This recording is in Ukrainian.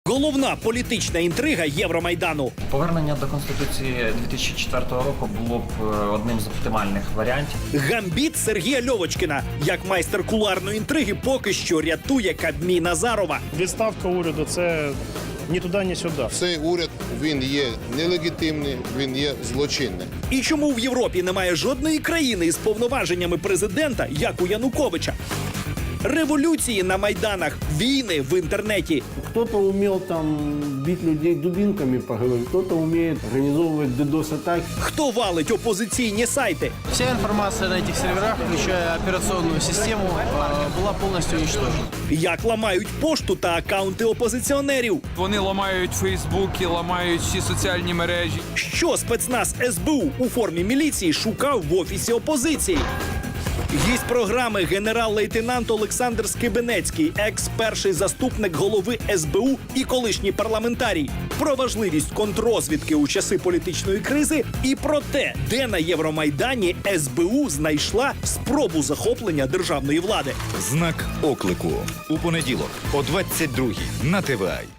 Головна політична інтрига Євромайдану. Повернення до Конституції 2004 року було б одним з оптимальних варіантів. Гамбіт Сергія Льовочкіна. Як майстер кулуарної інтриги поки що рятує Кабмін Азарова. Відставка уряду – це ні туди, ні сюди. Цей уряд, він є нелегітимний, він є злочинний. І чому в Європі немає жодної країни із повноваженнями президента, як у Януковича? Революції на майданах, війни в інтернеті. Кто-то умел там бить людей дубинками по голове, кто-то умеет организовывать DDoS-атаки. Хто валить опозиційні сайти? Вся информация на этих серверах, включая операционную систему, была полностью уничтожена. Як ламають пошту та акаунти опозиціонерів? Вони ламають Фейсбуки, ламають всі соціальні мережі. Що спецназ СБУ у формі міліції шукав в офісі опозиції? Гість програми генерал-лейтенант Олександр Скибенецький, екс-перший заступник голови СБУ і колишній парламентарій. Про важливість контррозвідки у часи політичної кризи і про те, де на Євромайдані СБУ знайшла спробу захоплення державної влади. Знак оклику. У понеділок о 22-й на ТВА.